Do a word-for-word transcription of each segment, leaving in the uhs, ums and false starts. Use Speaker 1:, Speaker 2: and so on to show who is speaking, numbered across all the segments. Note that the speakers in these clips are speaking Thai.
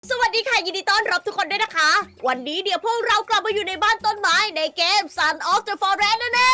Speaker 1: สวัสดีค่ะยินดีต้อนรับทุกคนด้วยนะคะ วันนี้เดี๋ยวพวกเรากลับมาอยู่ในบ้านต้นไม้ในเกม Son of the Forest นั่นเอง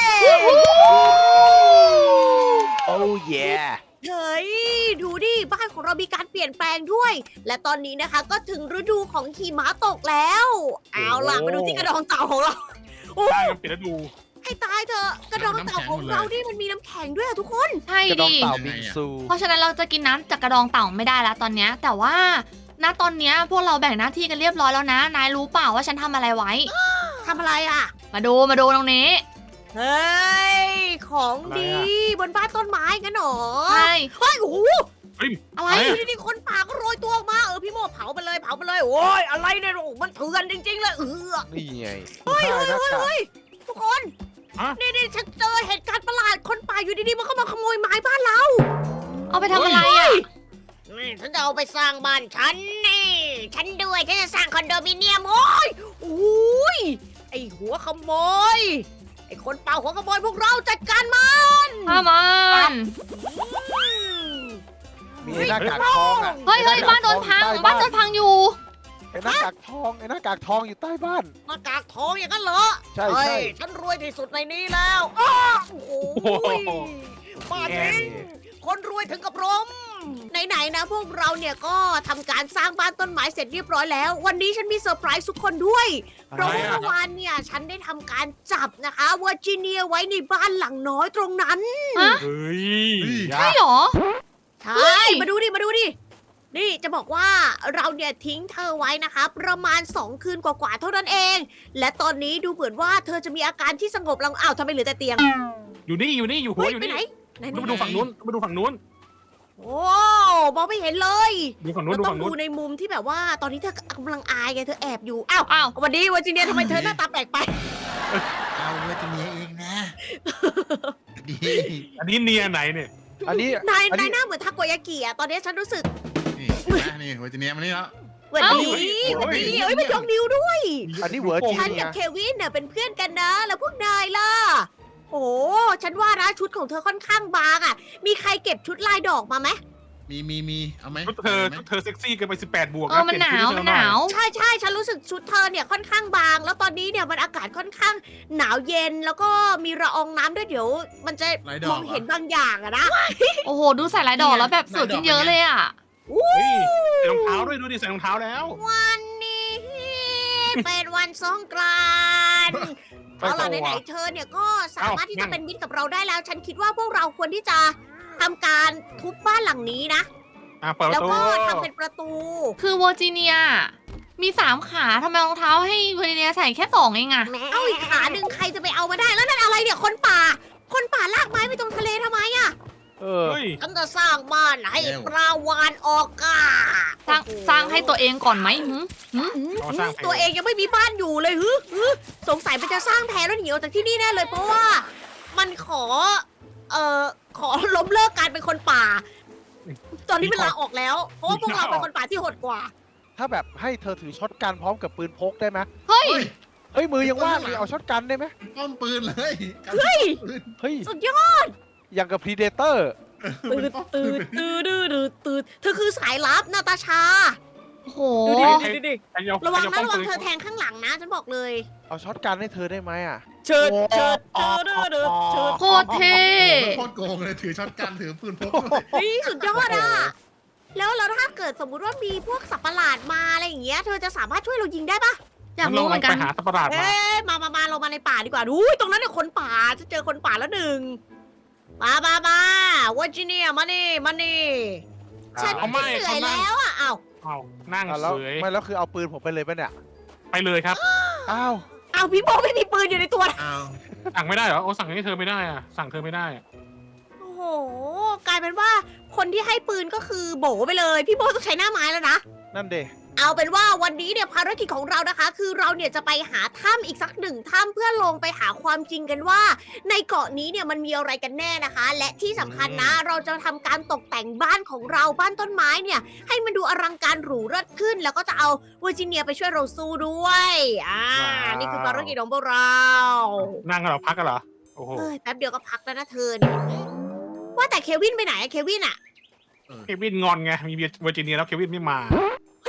Speaker 2: โอ้เย่
Speaker 1: เฮ้ยดูดิบ้านของเรามีการเปลี่ยนแปลงด้วย และตอนนี้นะคะก็ถึงฤดูของหิมะตกแล้ว เอาล่ะมาดูที่กระดองเต่าของเราโอ้
Speaker 3: ใช่มันปิดฤดู
Speaker 1: ให้ตายเถอะกระดองเต่าของเรานี่มันมีน้ำแข็งด้วยอะทุกคน
Speaker 4: ใช่
Speaker 2: กระดอง
Speaker 4: ดิ
Speaker 2: เต่าบิงซู
Speaker 4: เพราะฉะนั้นเราจะกินน้ำจากกระดองเต่าไม่ได้แล้วตอนเนี้ยแต่ว่าณตอนเนี้ยพวกเราแบ่งหน้าที่กันเรียบร้อยแล้วนะ นายรู้เปล่าว่าฉันทำอะไรไว้
Speaker 1: ทำอะไรอ่ะ
Speaker 4: มาดูมาดูตรงนี้
Speaker 1: เฮ้ยของดีบนบ้านต้นไม้กันเหรอ
Speaker 4: ใช่
Speaker 1: เฮ้ยโอ้โห
Speaker 4: อะไร
Speaker 1: ไอ้นี่นี่คนป่าก็โรยตัวออกมาเออพี่โมเผาไปเลยเผาไปเลยโอ้ยอะไรเนี่ยโอ้มันเถื่อนจริงๆเลยเออ
Speaker 2: นี่ไง
Speaker 1: เฮ้ย
Speaker 2: ใช่
Speaker 1: เฮ้ย
Speaker 2: หน้า
Speaker 1: เฮ้ย
Speaker 2: กาก
Speaker 1: เฮ้ยทุกคน
Speaker 3: ฮะ
Speaker 1: นี่นี่ฉันเจอเหตุการณ์ประหลาดคนป่าอยู่ดีๆมันก็มาขโมยไม้บ้านเรา
Speaker 4: เอาไปทำอะไรอ่ะ
Speaker 1: นี่ฉันจะเอาไปสร้างบ้านฉันนี่ฉันด้วยฉันจะสร้างคอนโดมิเนียมโอ้ยโอ้ยไอหัวขโมยไอคนป่าหัวขโมยพวกเราจัดการมัน
Speaker 4: ข้ามัน
Speaker 1: อืม
Speaker 2: มีไอ้หน้ากากทองอ่ะ
Speaker 4: เฮ้ยเฮ้ย
Speaker 2: ไอ้ห
Speaker 4: บ้านโดนพัง
Speaker 2: ใต้
Speaker 4: บ้านโดนพังอยู่
Speaker 2: ไอ้หน้ากากทองไอ้หน้ากากทองอยู่ใต้บ้าน
Speaker 1: หน้ากากทองอย่างนั้นเหรอ
Speaker 2: ใช่
Speaker 1: เฮ้
Speaker 2: ใช่
Speaker 1: ยฉันรวยที่สุดในนี้แล้วอ้าโอ้โห
Speaker 3: โอ้โห
Speaker 1: บ้าจริงคนรวยถึงกับล้มไหนๆนะพวกเราเนี่ยก็ทำการสร้างบ้านต้นไม้เสร็จเรียบร้อยแล้ว วันนี้ฉันมีเซอร์ไพรส์ทุกคนด้วย เพราะว่าเมื่อวานเนี่ยฉันได้ทำการจับนะคะเวอร์จิเนียไว้ในบ้านหลังน้อยตรงนั้น
Speaker 4: ฮะ
Speaker 3: เฮ้ย
Speaker 4: ใช่เหรอ
Speaker 1: ใช่
Speaker 4: เฮ้ย
Speaker 1: มาดูดิ มาดูดิ นี่จะบอกว่าเราเนี่ยทิ้งเธอไว้นะคะ ประมาณสองคืนกว่าๆเท่านั้นเอง และตอนนี้ดูเหมือนว่าเธอจะมีอาการที่สงบลงอ้าวทำไมเหลือแต่เตียง
Speaker 3: อยู่นี่อยู่นี่อยู่หัว
Speaker 1: เฮ้ย
Speaker 3: อยู่
Speaker 1: ไป
Speaker 3: นี่
Speaker 1: ไหนไหนไหน
Speaker 3: มาดูฝั่งนู้นมาดูฝั่งนู้น
Speaker 1: โอ้มองไม่เห็นเลย
Speaker 3: ดูฝั่งนู้น
Speaker 1: เรา
Speaker 3: ดู
Speaker 1: ต้อ
Speaker 3: ฝั่
Speaker 1: ง
Speaker 3: ง
Speaker 1: ดู
Speaker 3: นู้น
Speaker 1: ในมุมที่แบบว่า ตอนนี้เธอกำลังอายไงเธอแอบอยู่ อ้าว
Speaker 4: อ้าว
Speaker 1: วันนี้วันจีเนียทำไมเธอหน้าตาแปลกไป
Speaker 5: เอาเวทเมียเองนะ ดี
Speaker 3: อันนี้เนียไหนเนี่ย
Speaker 2: อันนี้
Speaker 1: นาย
Speaker 2: อัน
Speaker 1: นา
Speaker 2: นี้
Speaker 1: ยหน้าเหมือนทาโกยากิอะตอนนี้ฉันรู้สึก
Speaker 5: นี่นะนี่เวทเมียมานี่แล้ว
Speaker 1: เหมือนดีเหมือนดีเอ้ยไม่ยกนิ้วด้วย
Speaker 2: อันนี้เวอร์จิ
Speaker 1: ฉัน
Speaker 2: เนี
Speaker 1: กั
Speaker 2: ย
Speaker 1: บเควินเนี่ยเป็นเพื่อนกันนะ แล้วพวกนายล่ะ โอ้ฉันว่านะชุดของเธอค่อนข้างบางอ่ะ มีใครเก็บชุดลายดอกมาไหม
Speaker 5: มีมีมีเอาไหม
Speaker 3: ชุดเธอ
Speaker 5: าไหม
Speaker 3: ชุดเธอเซ็กซี่เกินไปสิบแปดบวก
Speaker 4: เออมันหนาวมันหนาว
Speaker 1: ใช่ใช่ฉันรู้สึกชุดเธอเนี่ยค่อนข้างบาง แล้วตอนนี้เนี่ยมันอากาศค่อนข้างหนาวเย็น แล้วก็มีละอองน้ำด้วยเดี๋ยว มันจะ
Speaker 5: ลายด
Speaker 1: ม
Speaker 5: อ
Speaker 1: อก ง
Speaker 5: เหร
Speaker 1: เห็นบางอย่างอะนะ
Speaker 4: โอ้โห ดูใส่ลายดอกแล้วแบบสวยขึ้นเยอะเลยอ่ะ
Speaker 3: เฮ้ยใส่รองเท้าด้วยดูดิใส่รองเท้าแล้ว
Speaker 1: วันนี้เป็นวันสงกรานต์
Speaker 2: ไป
Speaker 1: เอา
Speaker 2: ต่
Speaker 1: ล่ะ
Speaker 2: อ
Speaker 1: ไหนๆเธอเนี่ยก็สามารถที่จะเป็นมิตรกับเราได้แล้ว ฉันคิดว่าพวกเราควรที่จะทำการทุบบ้านหลังนี้นะ
Speaker 3: อ่ะเปิดป
Speaker 1: แล้ว
Speaker 3: ระตู
Speaker 1: ก็ทำเป็นประตู
Speaker 4: คือเวอร์จิเนียมีสามขาทำไมรองเท้าให้เวอร์จิเนียใส่แค่สองเองอะ
Speaker 1: เอาอีกขาหนึ่งใครจะไปเอามาได้ แล้วนั่นอะไรเนี่ย คนป่า คนป่าลากไม้ไปตรงทะเลทำไมอะ
Speaker 2: เออ
Speaker 3: เฮ้ย
Speaker 1: ฉันจะสร้างบ้านให้ปลาวานออกกา
Speaker 4: สร้างสร้างให้ตัวเองก่อนไหมหึ
Speaker 3: เอามาสร้างแผน
Speaker 1: ตัวเองยังไม่มีบ้านอยู่เลยฮึฮึสงสัยมันจะสร้างแพรแล้วหนีออกจากที่นี่แน่เลย เพราะว่ามันขอ เอ่อ ขอล้มเลิกการเป็นคนป่า ตอนนี้มันลาออกแล้ว เพราะว่าพวกเราเป็นคนป่าที่โหดกว่า
Speaker 2: ถ้าแบบให้เธอถือช็อตกันพร้อมกับปืนพกได้ไหม
Speaker 4: เฮ้ย
Speaker 2: เฮ้ยมือยังว่างเลยเอาช็อตกันได้ไหม
Speaker 5: ป้อมปืนเลย
Speaker 1: เฮ้ย
Speaker 2: เฮ้ย
Speaker 1: สุดยอด
Speaker 2: อย่างกับพรีเดเตอร์
Speaker 1: ตืดตืดตืดตืดตืดเธอคือสายลับนาตาชา
Speaker 4: โอ้โห
Speaker 1: ดูดิดูดิ
Speaker 3: ใครเอา
Speaker 1: ระวัง
Speaker 3: ใค
Speaker 1: นะ
Speaker 3: เอา
Speaker 1: ระวัง
Speaker 3: ป้อม
Speaker 1: เธ
Speaker 3: ปื
Speaker 1: อน แทงข้างหลังนะ ฉันบอกเลย
Speaker 2: เอาช็อตกันให้เธอได้ไหมอ่ะ
Speaker 1: เชิด
Speaker 2: โอ้
Speaker 1: เชิดเชิดเชิดเชิดเชิด
Speaker 4: โคตรเท่
Speaker 5: โคตรโกงเลยถือช็อตกันถือปืนพกด้วย
Speaker 1: เฮ้ยสุดยอดอ่ะ แล้วแล้วถ้าเกิดสมมุติว่ามีพวกสัตว์ประหลาดมาอะไรอย่างเงี้ย เธอจะสามารถช่วยเรายิงได้ปะ
Speaker 4: อยากรู้เหมือนกัน
Speaker 3: ไปหาสัตว์ประหลาดมา
Speaker 1: เอ๊ะมามามาเรามาในป่าดีกว่าดูตรงนั้นเนี่ยคนป่าจะเจอคนป่าแล้วหนึ่ง มามามาวัจิเนียมานี่มานี่ ฉัน
Speaker 3: เอาไม่
Speaker 1: เหนื่อย
Speaker 3: เขานั่ง
Speaker 1: แล้วอ่ะอ้าว
Speaker 3: เอานั่ง
Speaker 2: อ่ะแล้ว
Speaker 3: เฉย
Speaker 2: ไม่แล้วคือเอาปืนผมไปเลยปะเนี่ย
Speaker 3: ไปเลยครับ
Speaker 2: อ้าว
Speaker 1: อ้าวพี่โบไม่มีปืนอยู่ในตัวนะ
Speaker 5: เอา
Speaker 3: สั่งไม่ได้เหรอโอ้สั่งให้เธอไม่ได้อะสั่งเธอไม่ได้อะ
Speaker 1: โอ้โห กลายเป็นว่าคนที่ให้ปืนก็คือโบไปเลย พี่โบต้องใช้หน้าไม้แล้วนะ
Speaker 2: นั่นเด
Speaker 1: เอาเป็นว่าวันนี้เนี่ยภารกิจของเรานะคะ คือเราเนี่ยจะไปหาถ้ำอีกสักหนึ่งถ้ำเพื่อลงไปหาความจริงกันว่า ในเกาะนี้เนี่ยมันมีอะไรกันแน่นะคะ และที่สำคัญนะ เราจะทำการตกแต่งบ้านของเราบ้านต้นไม้เนี่ย ให้มันดูอลังการหรูเลิศขึ้น แล้วก็จะเอาเวอร์จิเนียไปช่วยเราสู้ด้วยอ่านี่คือภารกิจของพวกเรา
Speaker 3: นั่งกันเหรอพักกันเหรอโอ้โห
Speaker 1: เฮ้ยแป๊บเดียวก็พักแล้วนะเธอเนี่ยว่าแต่เควินไปไหนอะเควินอะ
Speaker 3: เควินงอนไงมีเวอร์จิเนียแล้วเควินไม่มา
Speaker 1: เฮ้ย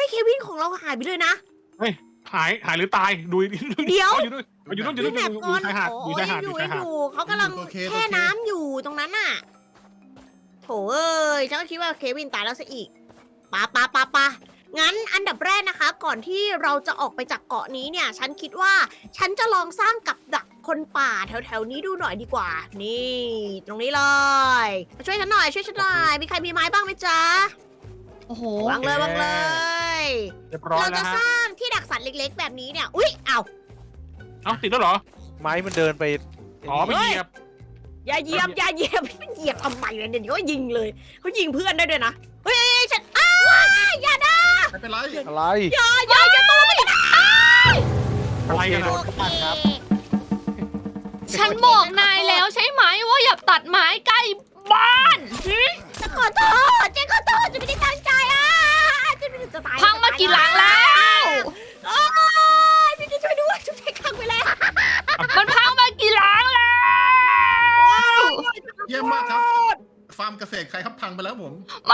Speaker 1: ยเควินของเราหายไปเลยนะ
Speaker 3: เฮ้ยหายหายหรือตายดู
Speaker 1: เดี๋ยว
Speaker 3: อยู่ด้วยอยู่ด้วยอยู่ด้วย
Speaker 1: พี่
Speaker 3: อ
Speaker 1: แม
Speaker 3: ยู่
Speaker 1: ปก่อน
Speaker 3: ชายหาด
Speaker 1: โอ้
Speaker 3: อยู่
Speaker 1: ย
Speaker 3: ชายหาด
Speaker 1: อ
Speaker 3: อยู่
Speaker 1: ยู่
Speaker 3: ชายหาด
Speaker 1: อยู่เขากำลัง
Speaker 5: โอเค
Speaker 1: แช่
Speaker 5: โอเค
Speaker 1: น้ำอยู่ตรงนั้นน่ะโถเอ้ยฉันก็คิดว่าเควินตายแล้วซะอีกปะปะปะปะงั้นอันดับแรกนะคะ ก่อนที่เราจะออกไปจากเกาะนี้เนี่ย ฉันคิดว่าฉันจะลองสร้างกับดักคนป่าแถวๆนี้ดูหน่อยดีกว่า นี่ ตรงนี้เลยช่วยฉันหน่อยช่วยฉันหน่อยมีใครมีไม้บ้างไหมจ๊ะ
Speaker 4: โอ้โห
Speaker 1: วางเลยวางเลย
Speaker 3: เรียบร้อย
Speaker 1: เรา
Speaker 3: แล้
Speaker 1: จะ
Speaker 3: ว
Speaker 1: ส
Speaker 3: ฮะ
Speaker 1: ร้างที่ดักสัตว์เล็กๆ แบบนี้เนี่ยอุ๊ยเอ้า
Speaker 3: เอ้าติดแล้วเหรอ
Speaker 2: ไม้มันเดินไป
Speaker 3: อ๋อไม่เหยียบ
Speaker 1: อย่าเหยียบอย่าเหยียบเหยียบทำไมเนี่ยเดี๋ยวเขายิงเลยเขายิงเพื่อนได้ด้วยนะเฮ้ยเฮ้ยฉันอ้าวอย่านะ
Speaker 5: ไม่เป็นไร
Speaker 2: อะไร
Speaker 1: อย่าอย่าอย่าตัวมันจะ
Speaker 3: อะไรกัน
Speaker 2: โอ
Speaker 3: อะ
Speaker 2: เคโดนฆ่าครับ
Speaker 4: ฉันบอกนายแล้วใช่ไหมว่าอย่าตัดไม้ใกล้บ้าน
Speaker 1: จะขอโทษเจ๊ขอโทษจะไม่ได้ตั้งใจอ่ะจะไม่ได้จะตาย
Speaker 4: พังมากี่หลังแล้ว
Speaker 1: โอ้ยพี่จะช่วยด้วยช่วยพังไปแล้ว
Speaker 4: มันพังมากี่หลังแล้ว
Speaker 5: เยี่ยมมากครับ ฟาร์มเกษตรใครครับพังไปแล้วผม
Speaker 4: ไม่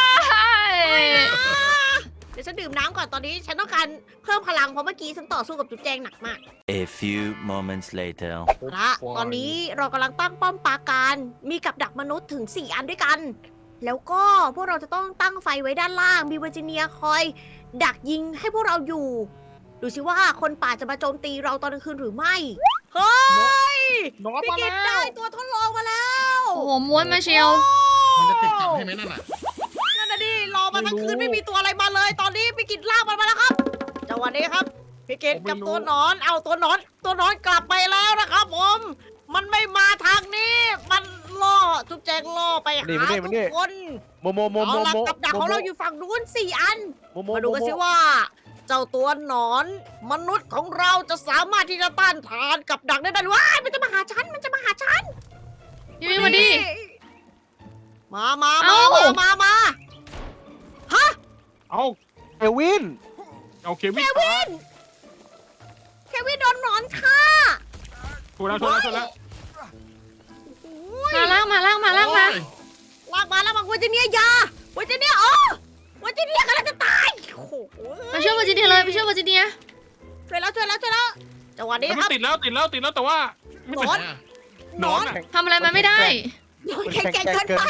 Speaker 1: เดี๋ยวฉันดื่มน้ำก่อนตอนนี้ฉันต้องการเพิ่มพลังเพราะเมื่อกี้ฉันต่อสู้กับจุ๊บแจงหนักมาก
Speaker 6: A few moments later.
Speaker 1: ละตอนนี้เรากำลังตั้งป้อมปราการ มีกับดักมนุษย์ถึงสี่อันด้วยกัน แล้วก็พวกเราจะต้องตั้งไฟไว้ด้านล่าง มีเวอร์จิเนียคอย ดักยิงให้พวกเราอยู่ ดูสิว่าคนป่าจะมาโจมตีเราตอนกลางคืนหรือไม่ เฮ้ย
Speaker 3: นอน
Speaker 1: พี่
Speaker 3: มา
Speaker 1: กิ
Speaker 3: แล้
Speaker 1: ตได้
Speaker 3: ว
Speaker 1: ตัวทดลองมาแล้ว
Speaker 4: โอ้โหม้วนมาเชียว
Speaker 5: มันจะติดกับให้ไหมนั่นน่ะ
Speaker 1: นั่นน่ะดิรอมาทั้งคืนไม่มีตัวอะไรมาเลย ตอนนี้พี่กิตลากมันมาแล้วครับจังหวะนี้ครับพี่กิตกับตัวหนอนเอาตัวหนอน ตัวหนอนกลับไปแล้วนะครับผม มันไม่มาทางนี้ มันล่อจุ๊บแจงล่อไปหา
Speaker 2: นี่มานี่
Speaker 1: ทุ
Speaker 2: มาก นี่
Speaker 1: คน
Speaker 2: โมโมโมโม
Speaker 1: เอาล่ะ
Speaker 2: โม
Speaker 1: กับดักของเราอยู่ฝั่งนู้นสี่อัน
Speaker 2: โมโม
Speaker 1: มาดูกัน
Speaker 2: โม
Speaker 1: สิว่า เจ้าตัวหนอน มนุษย์ของเราจะสามารถที่จะต้านทานกับดักได้ได้หรือว้ายมันจะมาหาฉัน มันจะมาหาฉัน
Speaker 4: พี่วิ่งมาดิ
Speaker 1: มามา
Speaker 4: เอ้า
Speaker 1: มามามาฮะ
Speaker 3: เอา
Speaker 2: เอลวิน
Speaker 3: เอาเควิ
Speaker 1: เคน วิน เควินโดนหนอนฆ่า
Speaker 3: ถูกแล้วถูกแล้วถูกแล้ว
Speaker 1: โอ้ย
Speaker 4: มาล่างมาล่างมาล่างมา
Speaker 5: โอ้ย
Speaker 1: ลากมาแล้วบอกว่าจะเนี่ยยาว่าจะเนี่ยอ๋อว่าจะเนี่ยกำลังจะตายโอ้โห
Speaker 4: ไปช่วยเวอร์จิเนียเลยไปช่วยเวอร์จิเนีย
Speaker 1: ช่วยแล้วช่วยแล้วช่วยแล้วจังหวะนี้
Speaker 3: เฮ้ย
Speaker 1: ค
Speaker 3: มั
Speaker 1: รับ
Speaker 3: นติดแล้วติดแล้วติดแล้วแต่ว่าไม่
Speaker 1: หน
Speaker 3: เป็น
Speaker 1: อน
Speaker 3: หนอนอะ
Speaker 4: ทำอะไรมันไม่ได้
Speaker 1: หนอนแข็งแกร่งเกินไป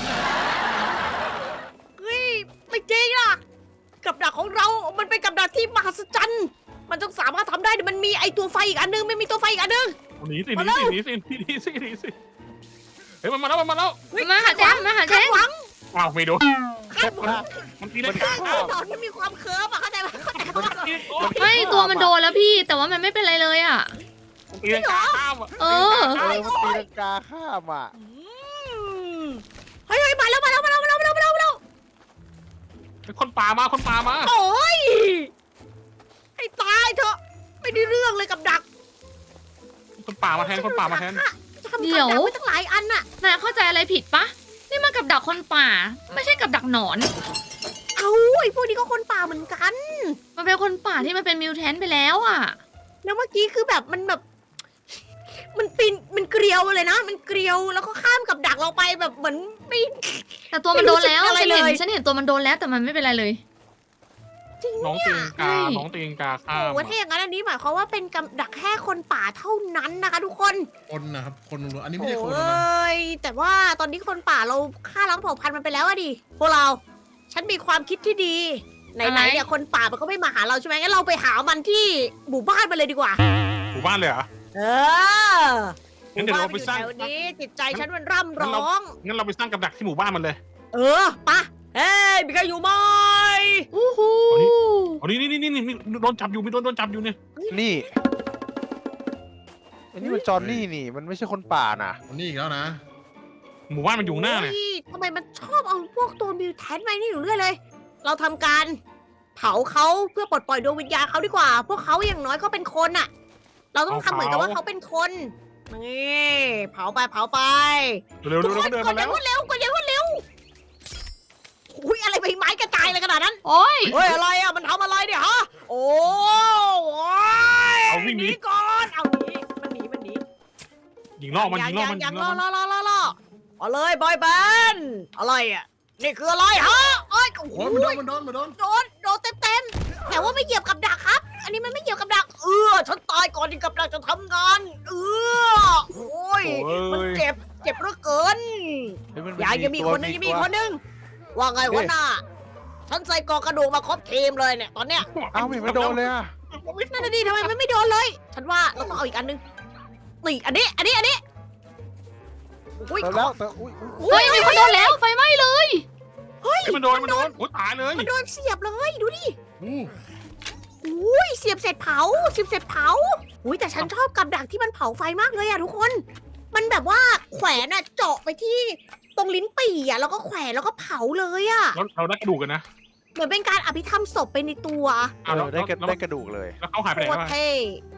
Speaker 1: เฮ้ยไม่จริงอ่ะกับดักของเรา มันเป็นกับดักที่มหัศจรรย์มันต้องสามารถทำได้มันมีไอตัวไฟอีกอันนึงไม่มีตัวไฟอีกอันนึง
Speaker 3: หนีสิห
Speaker 1: มา
Speaker 3: นี
Speaker 1: แล้ว
Speaker 3: สิหนีสิหนีสิหนีสิเฮ้ยมันมาแล้วมันมาแล้ว
Speaker 1: เฮ้ย
Speaker 4: มาหาแจ้งมาหาแจ้
Speaker 1: คาด
Speaker 4: ง
Speaker 1: หวัง
Speaker 3: อ้าวไม่โดน
Speaker 1: คาดหวัง
Speaker 3: มันตีได้
Speaker 1: ไอ้หนอนมันมีความเคิร์ฟอะเข้าใจไหมเข้าใจไหม
Speaker 4: ไม่ตัวมันโดนแล้วพี่ แต่ว่ามันไม่เป็นไรเลยอ่ะ
Speaker 3: มันตีได้ข้ามอ่ะ
Speaker 4: เออ
Speaker 2: เออมันตีลังกาข้ามอ่ะ
Speaker 1: อืมเฮ้ยเฮ้ยมาแล้วมาแล้วมาแล้วมาแล้วมาแล้วมาแล้วมาแล้ว
Speaker 3: คนป่ามาคนป่ามา
Speaker 1: โอ้ยให้ตายเถอะไม่ได้เรื่องเลยกับดัก
Speaker 3: คนป่ามาแทนคนป่ามาแทน
Speaker 1: จะทำ
Speaker 4: เดี๋
Speaker 1: กับ
Speaker 4: ยว
Speaker 1: ดักไว้ตั้งหลายอันน่ะ
Speaker 4: นายเข้าใจอะไรผิดปะนี่มันกับดักคนป่า ไม่ใช่กับดักหนอน
Speaker 1: เอ้าไอ้พวกนี้ก็คนป่าเหมือนกัน
Speaker 4: มันเป็นคนป่าที่มันเป็นมิวแทนไปแล้วอ่ะ
Speaker 1: แล้วเมื่อกี้คือแบบมันแบบ มันปีนมันเกลียวเลยนะ มันเกลียวแล้วก็ข้ามกับดักเราไปแบบเหมือนไม่
Speaker 4: แต่ตัวมันโดนแล้ว
Speaker 1: ไม่รู้สึกอะไร
Speaker 4: ฉันเห็น
Speaker 1: เลย
Speaker 4: ฉันเห็นตัวมันโดนแล้วแต่มันไม่เป็นไรเลย
Speaker 1: จริง
Speaker 3: น้อง
Speaker 1: เนี่ย
Speaker 3: ตีงกา น้องตีงกาข้า
Speaker 1: โอ้
Speaker 3: ม
Speaker 1: โหถ้าอย่างนั้นอันนี้หมายความว่าเป็นกับดักแค่คนป่าเท่านั้นนะคะทุกคน
Speaker 5: คนนะครับ คนล้วนๆอันนี้
Speaker 1: โอ
Speaker 5: ไม่ใช่คนนะ
Speaker 1: ้ยแต่ว่าตอนนี้คนป่าเราฆ่าล้างเผ่าพันธุ์มันไปแล้วอะดิพวกเรา ฉันมีความคิดที่ดีไหน
Speaker 4: อะไร
Speaker 1: ๆเนี่ยคนป่ามันก็ไม่มาหาเราใช่ไหมงั้นเราไปหามันที่หมู่บ้านมันเลยดีกว่า
Speaker 3: หมู่บ้านเลยเหรอ
Speaker 1: เออห
Speaker 3: งั้น
Speaker 1: มู่
Speaker 3: เดี๋ยว
Speaker 1: บ้าน
Speaker 3: เรา
Speaker 1: มันอยู่
Speaker 3: ไปสร้าง
Speaker 1: แถวนี้จิตใจฉันมันร่ำร้อง
Speaker 3: งั้นเราไปสร้างกับดักที่หมู่บ้านมันเลย
Speaker 1: เออปะเฮ้ยมีใครอยู่ไหม
Speaker 4: อู้หู
Speaker 3: อ๋อนี่นี่นี่นี่มีโดนจับอยู่มีโดนโดนจับอยู่เนี่ย
Speaker 2: นี่อันนี้มันจอห์นนี่นี่ มันไม่ใช่คนป่าน่ะ
Speaker 5: คนนี้อีกแล้วนะ
Speaker 3: หมู่บ้านมันอยู่ข้างหน้าเนี่ย
Speaker 1: โอ้ทำไมมันชอบเอาพวกตัวมิวแทนมานี่อยู่เรื่อยเลย เราทำการเผาเขาเพื่อปลดปล่อยดวงวิญญาณเขาดีกว่า พวกเขาอย่างน้อยก็เป็นคนอะเราต้องทำเหมือนกับว่าเขาเป็นคนนี่เผาไปเผาไป
Speaker 3: เร็ว
Speaker 1: ทุ
Speaker 3: เร็
Speaker 1: ก
Speaker 3: ว
Speaker 1: คน
Speaker 3: เดิน
Speaker 1: กด
Speaker 3: มา
Speaker 1: อ
Speaker 3: แล้
Speaker 1: ย่าว งรวดเร็วกดอย่างรวดเร็วอุ้ยอะไรใบไม้กระจายเลยขนาดนั้น
Speaker 4: โอ้ย
Speaker 1: เฮ้ยอะไรอะมันทำอะไรเนี่ยฮะโอ้ย
Speaker 3: เอาวิ่งห
Speaker 1: ห
Speaker 3: นี
Speaker 1: นีก่อนเอาหนีมันหนีมันหนี
Speaker 3: ยิงล่อมันยิงล่อ
Speaker 1: ยั
Speaker 3: มัน
Speaker 1: ยั
Speaker 3: ยิ
Speaker 1: ง
Speaker 3: ง
Speaker 1: ร
Speaker 3: ล่
Speaker 1: อ
Speaker 3: อ
Speaker 1: ร
Speaker 3: มั
Speaker 1: อน รอรอรอเอาเลยบอยแบนด์อะไรอ่ะนี่คืออะไรฮะเอ้ยโอ้โห
Speaker 5: โอ้ยมันโดนมันโดนมันโดน
Speaker 1: โดนโดนเต็มเต็แต่ว่าไม่เหยียบกับดักครับ อันนี้มันไม่เหยียบกับดัก เออ ฉันตายก่อนที่กับดักจะทำงาน เออ โอ้ย
Speaker 3: โอ้ย
Speaker 1: มันเจ็บ เจ็บเหลือเกิน
Speaker 2: เฮ้ยมัน
Speaker 1: ยายยังมี
Speaker 2: ตัว
Speaker 1: คนหนึงยังมี
Speaker 2: ตัว
Speaker 1: คนหนึง ว่าไงวะน่าฉันใส่กรอกกระดูกมาครบทีมเลยเนี่ย ตอนเนี้ย
Speaker 2: เอ้าไม่เห็นไม่โดนเลยอ่ะ
Speaker 1: นั่นน่ะดิทำไมมันไม่โดนเลย ฉันว่าเราต้องเอาอีกอันหนึงนี่อันนี้ อันนี้ อันนี้อุ้ย
Speaker 2: เติมแล้วเติมอุ้ยอุ้ย
Speaker 4: เฮ้ยมีคนโดนแล้วไฟไหม้เลย
Speaker 3: เฮ้ยมันโดนมันโดนโอ้ตายเลย
Speaker 1: มันโดนเสียบเลย ดูดิ
Speaker 3: อู้
Speaker 1: อุ้ยเสียบเสร็จเผาเสียบเสร็จเผาอุ้ยแต่ฉันชอบกับดักที่มันเผาไฟมากเลยอะทุกคน มันแบบว่าแขวนอะเจาะไปที่ตรงลิ้นปี่อะแล้วก็แขวนแล้วก็เผาเลยอะ
Speaker 3: เราเราได้กระดูกกันนะ
Speaker 1: เหมือนเป็นการอภิธรรมศพไปในตัว
Speaker 2: เออได้กระได้กระดูกเลย
Speaker 3: แล้วเขาหายไปไหน
Speaker 1: โคต
Speaker 3: แล้
Speaker 1: ร
Speaker 3: ว
Speaker 1: เท่